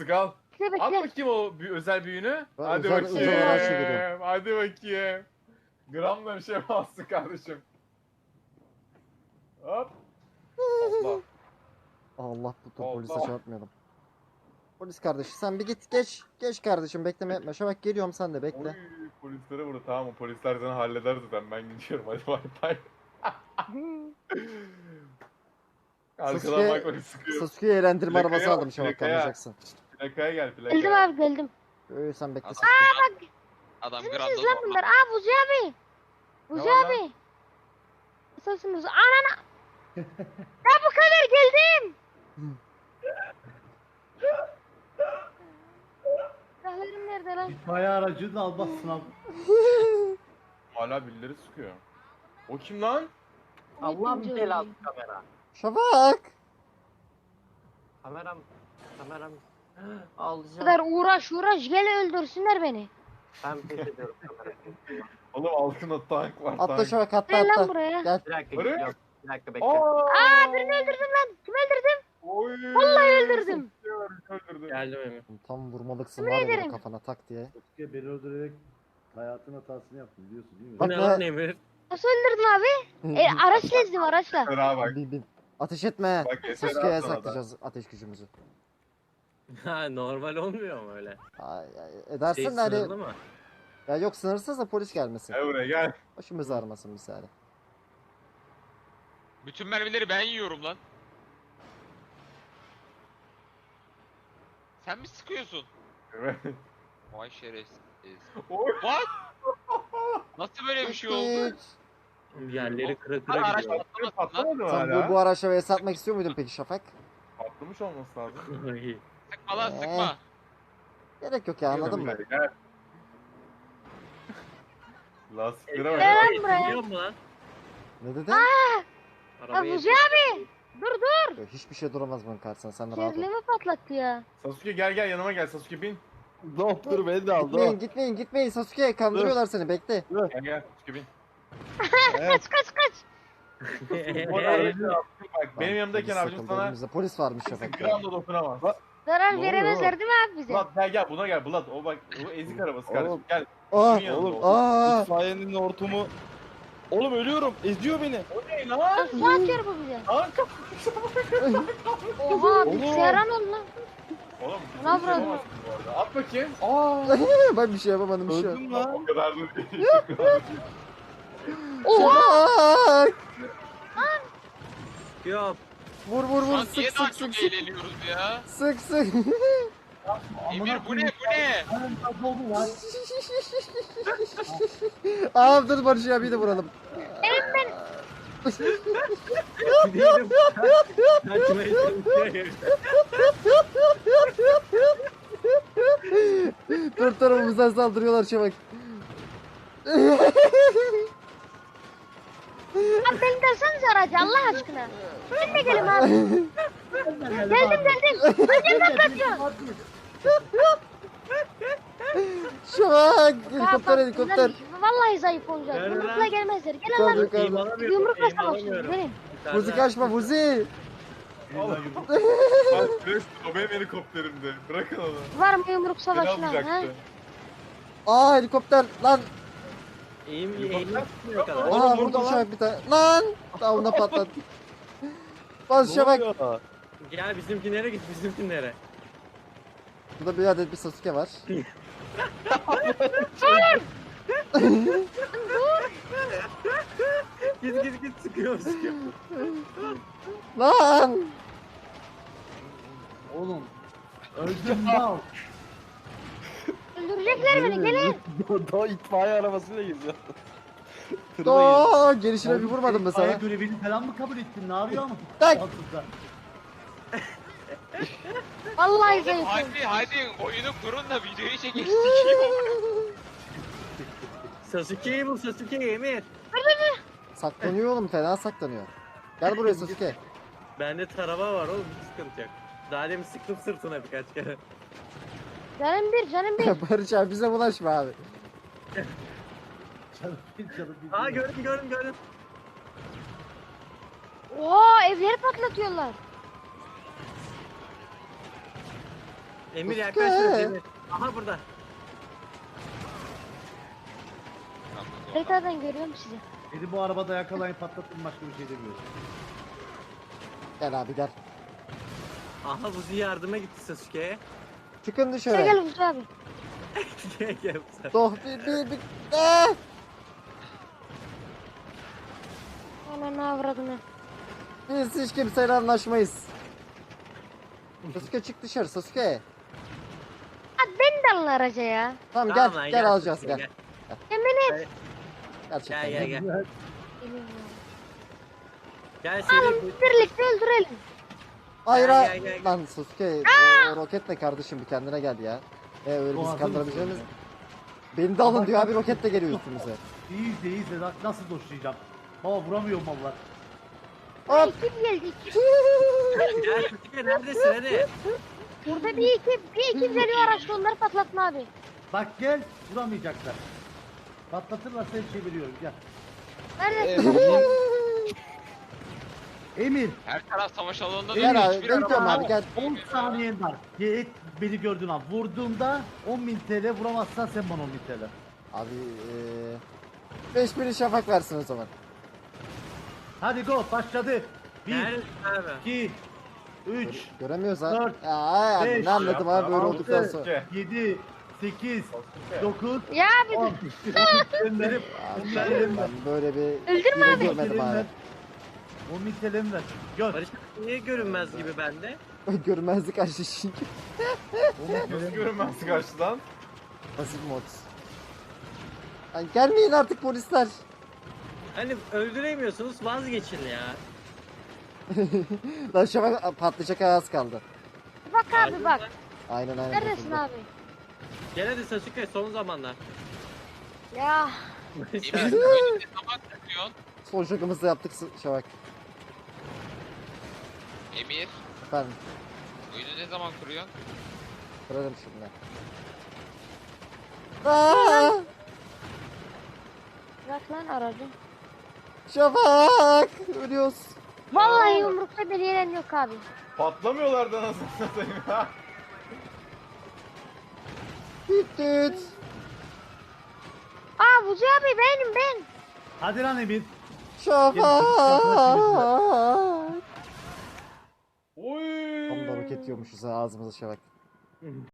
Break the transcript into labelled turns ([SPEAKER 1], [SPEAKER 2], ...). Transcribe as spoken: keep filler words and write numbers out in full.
[SPEAKER 1] artık al.
[SPEAKER 2] Bekle
[SPEAKER 1] At
[SPEAKER 2] bekle.
[SPEAKER 1] bakayım o büyü- özel büyüğünü.
[SPEAKER 3] Ben
[SPEAKER 1] Hadi
[SPEAKER 3] özel-
[SPEAKER 1] bakayım.
[SPEAKER 3] özel araçla geliyorum.
[SPEAKER 1] Hadi bakayım. Gramla bir şey yapamazsın kardeşim. Hop. Allah.
[SPEAKER 3] Allah bu tur
[SPEAKER 1] Allah.
[SPEAKER 3] polise çarpmayalım. Polis kardeş sen bir git geç. Geç kardeşim bekleme yapma. Şafak geliyorum sen de
[SPEAKER 1] Oy,
[SPEAKER 3] bekle.
[SPEAKER 1] polislere vurdu. Tamam, o polisler seni halleder zaten. Ben gidiyorum. Hadi bay bay. Arkadan
[SPEAKER 3] Sasuke-
[SPEAKER 1] bak beni sıkıyor.
[SPEAKER 3] Sasuke'yi eğlendirme
[SPEAKER 1] Plakaya
[SPEAKER 3] arabası
[SPEAKER 1] bak,
[SPEAKER 3] aldım Şafak
[SPEAKER 1] plakaya.
[SPEAKER 3] anlayacaksın.
[SPEAKER 1] Plakaya gel,
[SPEAKER 2] Geldim
[SPEAKER 1] plakaya.
[SPEAKER 2] abi geldim.
[SPEAKER 3] Öyle sen bekle
[SPEAKER 4] Adam,
[SPEAKER 3] Sasuke.
[SPEAKER 4] adam
[SPEAKER 2] Siz
[SPEAKER 4] granda
[SPEAKER 2] misiniz lan
[SPEAKER 4] zorla.
[SPEAKER 2] bunlar? Aa Buzi abi. Buzi
[SPEAKER 1] Ne var lan?
[SPEAKER 2] abi. Nasılsınız? Anana. Ya bu kadar geldim. Silahlarım nerede lan?
[SPEAKER 5] İtfaiye aracını almazsın abi.
[SPEAKER 1] Hala birileri sıkıyor. O kim lan?
[SPEAKER 6] Allah'ım
[SPEAKER 2] Yedinci
[SPEAKER 6] belası
[SPEAKER 2] öldüm.
[SPEAKER 6] kamera.
[SPEAKER 3] Şafak.
[SPEAKER 6] Kameram, kameram.
[SPEAKER 2] Bu
[SPEAKER 6] Alacağım.
[SPEAKER 2] kadar uğraş uğraş gel öldürsünler beni.
[SPEAKER 6] Ben pes ediyorum kamerayı.
[SPEAKER 1] Oğlum altında tank var,
[SPEAKER 3] Atla
[SPEAKER 1] tank.
[SPEAKER 3] Şafak atla
[SPEAKER 2] Gel lan
[SPEAKER 3] atla.
[SPEAKER 2] buraya.
[SPEAKER 3] Gel.
[SPEAKER 6] Bir dakika
[SPEAKER 1] Öyle mi?
[SPEAKER 6] gidiyorum. Bir dakika bekle.
[SPEAKER 1] Aa,
[SPEAKER 2] Aa birini öldürdüm lan. Kim öldürdüm?
[SPEAKER 1] Oy.
[SPEAKER 2] Vallahi öldürdüm.
[SPEAKER 1] Öldürdüm.
[SPEAKER 6] Geldim Emir.
[SPEAKER 3] Tam vurmalıksın
[SPEAKER 2] Yemin
[SPEAKER 3] var ya böyle
[SPEAKER 2] ederim.
[SPEAKER 3] kafana tak diye.
[SPEAKER 5] Sasuke beni öldürerek hayatın hatasını yaptın biliyorsun değil mi?
[SPEAKER 3] Bak
[SPEAKER 7] Ne
[SPEAKER 3] be.
[SPEAKER 7] lan Emir?
[SPEAKER 2] Nasıl öldürdün abi? E, araçla ezdim araçla.
[SPEAKER 1] Fena bak.
[SPEAKER 3] Bin bin. Ateş etme.
[SPEAKER 1] Bak, yeter
[SPEAKER 3] Sasuke'ye
[SPEAKER 1] abi sana da.
[SPEAKER 3] saklayacağız ateş gücümüzü.
[SPEAKER 7] Ha normal olmuyor mu öyle?
[SPEAKER 3] Ay, ay, edersin
[SPEAKER 7] Şey
[SPEAKER 3] de hani.
[SPEAKER 7] sınırlı mı?
[SPEAKER 3] Ya yok sınırsız da polis gelmesin.
[SPEAKER 1] Gel buraya gel.
[SPEAKER 3] Başımız ağrımasın misali.
[SPEAKER 4] Bütün mermileri ben yiyorum lan. Sen mi sıkıyorsun?
[SPEAKER 1] Evet.
[SPEAKER 4] Vay şerefsiz.
[SPEAKER 1] Oy.
[SPEAKER 4] What? Nasıl böyle bir şey oldu?
[SPEAKER 3] Hiç.
[SPEAKER 7] Yerleri kıra
[SPEAKER 4] Lan
[SPEAKER 7] kıra
[SPEAKER 4] araç
[SPEAKER 7] gidiyor.
[SPEAKER 4] patlamasın lan.
[SPEAKER 1] Patlamadı mı
[SPEAKER 3] Sen
[SPEAKER 1] hala?
[SPEAKER 3] bu, bu araçla vs atmak istiyor muydun peki Şafak?
[SPEAKER 1] Patlamış olması lazım.
[SPEAKER 7] Ay,
[SPEAKER 4] Sıkma lan
[SPEAKER 3] Ee.
[SPEAKER 4] sıkma.
[SPEAKER 3] Gerek yok ya anladın mı?
[SPEAKER 1] Gel, Gel. Lastiklere bak.
[SPEAKER 2] Gel lan
[SPEAKER 7] Biliyor
[SPEAKER 2] buraya.
[SPEAKER 7] musun lan?
[SPEAKER 3] Ne dedin?
[SPEAKER 2] Ya
[SPEAKER 7] Arabayı
[SPEAKER 2] Buzi abi. Dur dur.
[SPEAKER 3] Yok, hiçbir şey duramaz bunun karşısında sen rahat ol.
[SPEAKER 2] Kerlemi patlattı ya.
[SPEAKER 1] Sasuke gel gel yanıma gel, Sasuke bin.
[SPEAKER 5] Doktor beni de aldı.
[SPEAKER 3] Gitmeyin gitmeyin gitmeyin Sasuke kandırıyorlar seni bekle.
[SPEAKER 1] Gel gel Sasuke bin.
[SPEAKER 2] Kaç kaç kaç.
[SPEAKER 1] Bu aracı attım bak. Benim
[SPEAKER 3] Lan,
[SPEAKER 1] yanımdayken
[SPEAKER 3] polis
[SPEAKER 1] abicim
[SPEAKER 3] takıldı
[SPEAKER 1] sana
[SPEAKER 3] önümüzde. Polis varmış
[SPEAKER 1] kimse
[SPEAKER 3] Şafak.
[SPEAKER 1] gram da dokunamaz.
[SPEAKER 2] Zarar
[SPEAKER 5] Ne oluyor
[SPEAKER 2] veremezler değil mi abi bize?
[SPEAKER 1] Bulat gel gel buna gel Bulat. O bak o ezik arabası kardeşim.
[SPEAKER 5] Oğlum.
[SPEAKER 1] Gel.
[SPEAKER 3] Aa,
[SPEAKER 1] Şunun yanında
[SPEAKER 5] oğlum,
[SPEAKER 1] ol.
[SPEAKER 3] aa.
[SPEAKER 5] İtfaiyenin hortumu. Oğlum ölüyorum. Eziyor beni.
[SPEAKER 1] O ne lan?
[SPEAKER 2] Nasıl atıyor bu bize?
[SPEAKER 1] Kanka.
[SPEAKER 2] Oha bilgisayara ne oldu lan?
[SPEAKER 1] Oğlum
[SPEAKER 2] Ne
[SPEAKER 1] bir şey
[SPEAKER 2] yapıyorsun?
[SPEAKER 1] yapamazsın bu arada. At bakayım.
[SPEAKER 3] Ben bir şey yapamadım bir şey.
[SPEAKER 5] Öldüm lan.
[SPEAKER 1] O kadar da değil. O kadar da değil.
[SPEAKER 2] Oha.
[SPEAKER 3] Şafak!
[SPEAKER 7] Yok.
[SPEAKER 3] Vur vur
[SPEAKER 4] Şu
[SPEAKER 3] vur
[SPEAKER 4] an niye
[SPEAKER 3] sık
[SPEAKER 4] daha
[SPEAKER 3] sık
[SPEAKER 4] çok
[SPEAKER 3] sık sık.
[SPEAKER 4] eğleniyoruz ya?
[SPEAKER 3] Sık sık.
[SPEAKER 4] Emir bu ne bu ne?
[SPEAKER 5] oldu lan.
[SPEAKER 3] Aa dur Barış abi de vuralım.
[SPEAKER 7] Değilim. Kaçmaya çalışıyor.
[SPEAKER 3] Dört tarafımızdan saldırıyorlar Şafak.
[SPEAKER 2] Abi beni desenize aracı Allah aşkına. Ben de gelin abi. Geldim geldim. Önce patlatıyor.
[SPEAKER 3] Şafak
[SPEAKER 2] Ya
[SPEAKER 3] helikopter
[SPEAKER 2] bak,
[SPEAKER 3] helikopter.
[SPEAKER 2] bunlar Vallahi zayıf olacak.
[SPEAKER 7] Nerede
[SPEAKER 2] Yumrukla
[SPEAKER 7] lan?
[SPEAKER 2] gelmezler. Gelin
[SPEAKER 3] Yukarıda
[SPEAKER 2] lan.
[SPEAKER 3] yukarıda.
[SPEAKER 7] Eğim alamıyorum.
[SPEAKER 2] Yumrukla
[SPEAKER 7] Eğim
[SPEAKER 2] savaşıyoruz.
[SPEAKER 7] alamıyorum.
[SPEAKER 2] Gelin.
[SPEAKER 3] Vuzi kaçma Vuzi.
[SPEAKER 1] Oğlum. Bak Chris, o benim helikopterimdi. Bırakın onu.
[SPEAKER 2] Var mı yumruk
[SPEAKER 1] Beni
[SPEAKER 2] savaşına? Ha?
[SPEAKER 1] alacaktı.
[SPEAKER 3] Aa helikopter lan.
[SPEAKER 7] Eğim eğim tutmuyor kadar.
[SPEAKER 5] Oğlum,
[SPEAKER 3] Aa
[SPEAKER 5] burada
[SPEAKER 3] vurdu
[SPEAKER 5] lan.
[SPEAKER 3] Şafak bir tane. Lan. Tavuna patladı. Bas Şafak.
[SPEAKER 7] Gel bizimkinlere git bizimkinlere.
[SPEAKER 3] Burada bir adet bir Sasuke var.
[SPEAKER 7] Git git git sıkıyor sıkıyor.
[SPEAKER 3] Lan.
[SPEAKER 5] Oğlum. Öldüm lan.
[SPEAKER 2] Öldürecekler beni gelin.
[SPEAKER 5] Daha itfaiye arabasıyla geziyor.
[SPEAKER 3] Aa gelişine bir vurmadım mı sana?
[SPEAKER 5] İtfaiye görevini falan mı kabul ettin? Ne yapıyorsun?
[SPEAKER 3] Tak.
[SPEAKER 5] Altında.
[SPEAKER 2] Vallahi zayıf.
[SPEAKER 4] Hadi hadi oyunu kurun da videoyu çekin. Sikeyim.
[SPEAKER 7] Sasuke'yi bul Sasuke'yi Emir.
[SPEAKER 3] Saklanıyor oğlum fena saklanıyor. Gel buraya Sasuke.
[SPEAKER 7] Bende tarama var oğlum hiç sıkıntı yok. Daha demin sıktım sırtına birkaç kere.
[SPEAKER 2] Canım bir canım bir.
[SPEAKER 3] Barış abi bize bulaşma abi.
[SPEAKER 5] Canım bir canım bir.
[SPEAKER 7] Aa gördüm gördüm gördüm.
[SPEAKER 2] Oha evleri patlatıyorlar.
[SPEAKER 7] Emir
[SPEAKER 3] Sasuke.
[SPEAKER 7] yaklaştı Emir. Aha burada.
[SPEAKER 2] Haritadan görüyorum sizi.
[SPEAKER 5] Beni bu arabada yakalayın patlatın başka bir şey demiyorum.
[SPEAKER 3] Gel abi gel.
[SPEAKER 7] Aha Buzi yardıma gitti Sasuke'ye.
[SPEAKER 3] Çıkın
[SPEAKER 2] Gel
[SPEAKER 3] dışarı.
[SPEAKER 2] gel Hüsnü abi.
[SPEAKER 7] Gel gel sen.
[SPEAKER 3] Doh bir bir bir. Ah!
[SPEAKER 2] Ananı avradını.
[SPEAKER 3] Biz hiç kimseyle anlaşmayız. Sasuke çık dışarı Sasuke.
[SPEAKER 2] Abi beni de alın araca ya.
[SPEAKER 3] Tamam gel
[SPEAKER 7] Tamam lan,
[SPEAKER 3] gel alacağız
[SPEAKER 7] Sasuke,
[SPEAKER 3] gel.
[SPEAKER 2] Yemin et.
[SPEAKER 3] Gerçekten
[SPEAKER 7] Gel gel gel.
[SPEAKER 2] Geliyorum ya.
[SPEAKER 7] Gel seni
[SPEAKER 2] Alın birlikte öldürelim.
[SPEAKER 3] Hayır
[SPEAKER 7] Gel,
[SPEAKER 3] ha-
[SPEAKER 7] gel, gel, gel.
[SPEAKER 3] lan Sasuke o, o roketle kardeşim bir kendine gel ya. E öyle
[SPEAKER 5] O
[SPEAKER 3] bizi
[SPEAKER 5] hazır
[SPEAKER 3] kandırabileceğimiz.
[SPEAKER 5] mısın
[SPEAKER 3] Beni de alın diyor abi roketle geliyor üstümüze.
[SPEAKER 5] İyi izle iyi izle Na- nasıl doşlayacağım. Baba vuramıyorum valla.
[SPEAKER 2] Ay
[SPEAKER 3] Hop.
[SPEAKER 2] kim geldi?
[SPEAKER 7] Gel Sasuke neredesin hadi.
[SPEAKER 2] Burada bir ekip, bir ekip geliyor araçta onları patlatma abi.
[SPEAKER 5] Bak gel vuramayacaklar. Patlatırlar seni çeviriyorum gel.
[SPEAKER 2] Neredesin?
[SPEAKER 5] Emir
[SPEAKER 4] Her taraf savaş alanında
[SPEAKER 3] Gel
[SPEAKER 4] değil,
[SPEAKER 3] abi
[SPEAKER 4] hiçbir
[SPEAKER 3] bekliyorum
[SPEAKER 4] araba-
[SPEAKER 3] abi gel.
[SPEAKER 5] on saniyen var. Gel beni gördün an. Vurduğumda on bin T L vuramazsan sen bana on bin T L.
[SPEAKER 3] Abi eee beş bini şafak versin o zaman.
[SPEAKER 5] Hadi go başladı. bir,
[SPEAKER 7] Neredesin abi?
[SPEAKER 5] iki, üç,
[SPEAKER 3] Gö- Göremiyoruz ha.
[SPEAKER 5] dört,
[SPEAKER 3] Ya ay abi
[SPEAKER 5] beş,
[SPEAKER 3] ne anladım abi böyle
[SPEAKER 1] altı,
[SPEAKER 3] olduktan sonra.
[SPEAKER 5] yedi, sekiz, dokuz,
[SPEAKER 2] Ya abi
[SPEAKER 5] on.
[SPEAKER 2] dur.
[SPEAKER 5] Gönderim.
[SPEAKER 3] Abi,
[SPEAKER 5] Bunlar
[SPEAKER 3] ben,
[SPEAKER 5] elimden.
[SPEAKER 3] ben böyle bir
[SPEAKER 2] Öldürme
[SPEAKER 3] biri
[SPEAKER 2] abi.
[SPEAKER 3] görmedim abi.
[SPEAKER 5] on bin T L'm ver. Gör.
[SPEAKER 7] Barış abi niye görünmez gibi bende?
[SPEAKER 3] Görmezlik açtı çünkü.
[SPEAKER 1] Nasıl görünmez karşıdan?
[SPEAKER 3] Pasif mod. Ay gelmeyin artık polisler.
[SPEAKER 7] Hani öldüremiyorsunuz vazgeçin ya.
[SPEAKER 3] Lan şafak patlayacak az kaldı.
[SPEAKER 2] Bak abi bak.
[SPEAKER 3] Aynen aynen.
[SPEAKER 2] Neredesin
[SPEAKER 3] kurtuldu.
[SPEAKER 2] abi?
[SPEAKER 7] Gel hadi Sasuke son zamanlar.
[SPEAKER 2] Ya.
[SPEAKER 4] Emir, önünde zaman tutuyorsun.
[SPEAKER 3] Son şokumuzda da yaptık şafak.
[SPEAKER 4] Emir,
[SPEAKER 3] Efendim
[SPEAKER 4] oyunu ne zaman kuruyorsun?
[SPEAKER 3] kırarım şimdi. Aa,
[SPEAKER 2] Bırak lan aracı.
[SPEAKER 3] şafak ölüyoruz.
[SPEAKER 2] Vallahi yumrukta bir yeren yok abi.
[SPEAKER 1] Patlamıyorlar da nasıl satayım ya.
[SPEAKER 3] Düt düt.
[SPEAKER 2] Aa Buzi abi benim ben.
[SPEAKER 5] Hadi lan Emir.
[SPEAKER 3] Şafak.
[SPEAKER 1] Oy.
[SPEAKER 3] Tam da roket yiyormuşuz ha ağzımıza şafak.